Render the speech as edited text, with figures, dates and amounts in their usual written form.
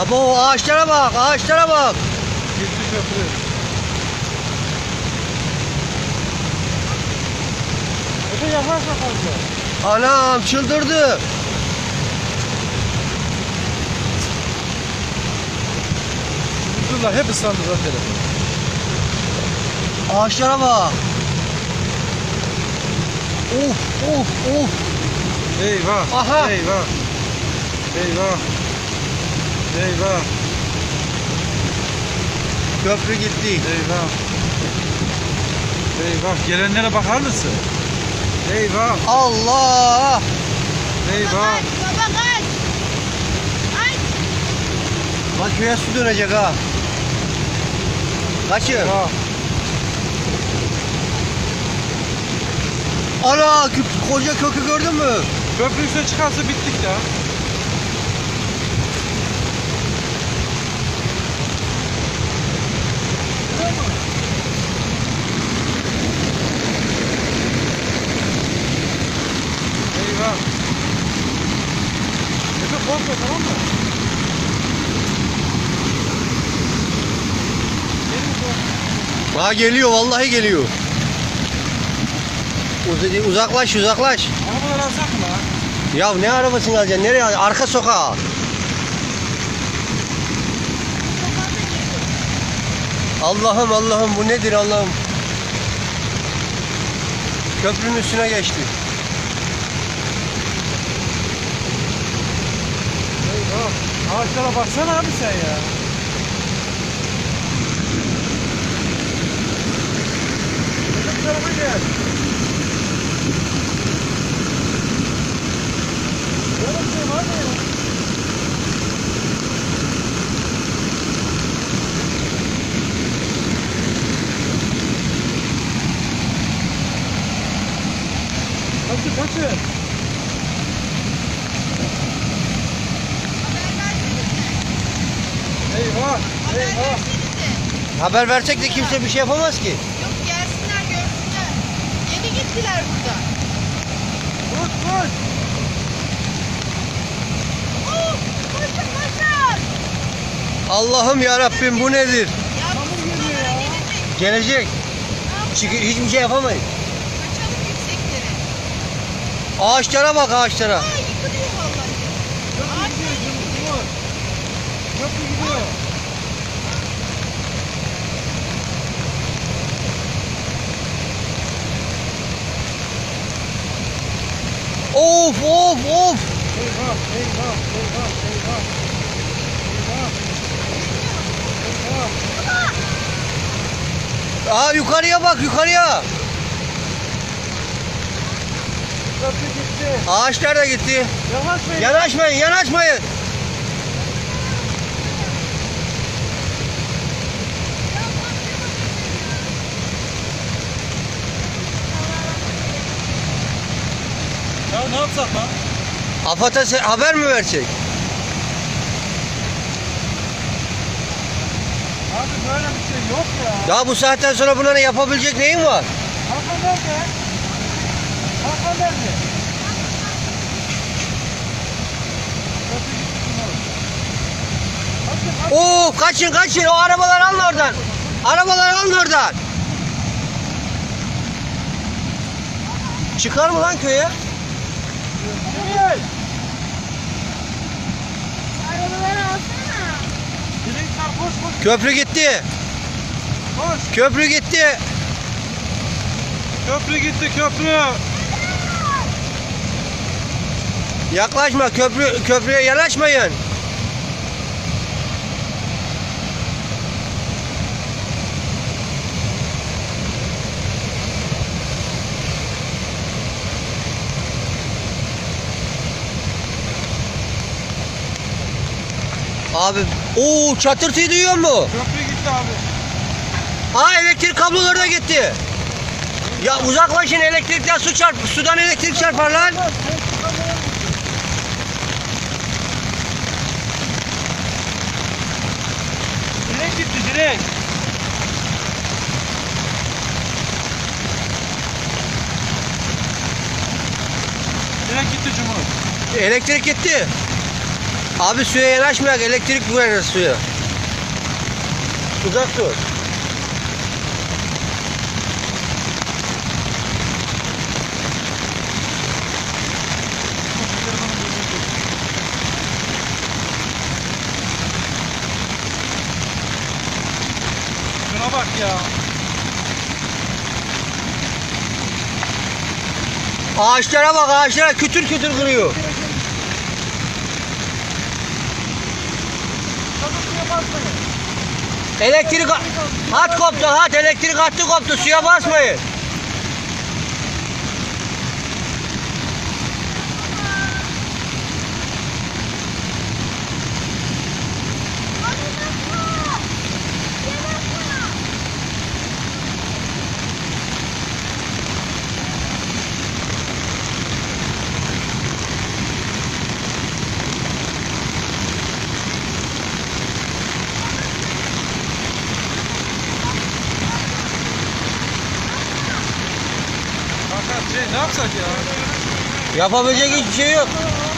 Abo ağaçlara bak, ağaçlara bak. Gitti köprü. Efe yaparsa fazla. Anam çıldırdı. Durdular hep ıslandı zaten. Ağaçlara bak. Of of of. Eyvah. Aha. Eyvah. Eyvah. Eyvah. Köprü gitti. Eyvah. Eyvah. Gelenlere bakar mısın? Eyvah. Allah. Eyvah. Baba kaç. Kaç. Bak köye su dönecek ha. Kaçın. Eyvah. Ana koca kökü gördün mü? Köprü üstüne çıkarsa bittik ya. Eyvah. Efe korkma, tamam mı? Gelin korkma. Ha geliyor vallahi geliyor. Uzaklaş uzaklaş. Arabaları alsak mı lan? Ya ne arabasını alacaksın? Nereye alacaksın? Arka sokağa. Allah'ım Allah'ım bu nedir Allah'ım? Köprünün üstüne geçti. Eyvah. Ağaçlara baksana abi sen ya. Bu tarafa gel. Oğlum sen var mı ya? Kaçın kaçın. Eyvah. Eyvah. Haber versek de kimse bir şey yapamaz ki. Yok gelsinler görsünler. Yeni gittiler burada. Koş koş. Oh, koşun koşun. Allah'ım ya Rabbim bu nedir? Ya bu geliyor ya. gelecek. Gelecek. Çünkü hiçbir şey yapamayız. Kaçalım yükseklere. Ağaçlara bak ağaçlara. Aa yıkılıyor vallahi. Köprü gidiyor. Dur. Köprü gidiyor. Of of of. Eyvah, eyvah, eyvah, eyvah. Eyvah. Eyvah. Aa yukarıya bak yukarıya. Köprü gitti. Ağaçlar da gitti. Yavaşlayın. Yanaşmayın yanaşmayın. Ya ne yapsak lan? AFAD'a haber mi versek? Abi böyle bir şey yok ya. Ya bu saatten sonra bunların yapabilecek neyin var? Hakan nerede? Hakan nerede? Köprü gitti şunu. Kaçın, kaçın. Oo kaçın kaçın o arabaları alın oradan. Arabaları alın oradan. Çıkar mı lan köye? Nereye? Arabaları alsana. Direkler koş koş Köprü gitti. koş. Köprü gitti. Köprü gitti köprü. Yaklaşma köprüye yanaşmayın. Abi o çatırtıyı duyuyor mu? Köprü gitti abi. Aa elektrik kabloları da gitti. Ya uzaklaşın elektrikten sudan elektrik çarpar lan. Direkt gitti direkt. Direkt gitti Cumhur. Elektrik gitti. Abi suya yanaşmayak, elektrik vurarız suya. Uzak dur. Şuna bak ya. Ağaçlara bak, ağaçlara kütür kütür kırıyor. Elektrik hat koptu, hat elektrik hattı koptu, suya basmayın. Fakat ne yapsak ya? Yapabilecek hiçbir şey yok.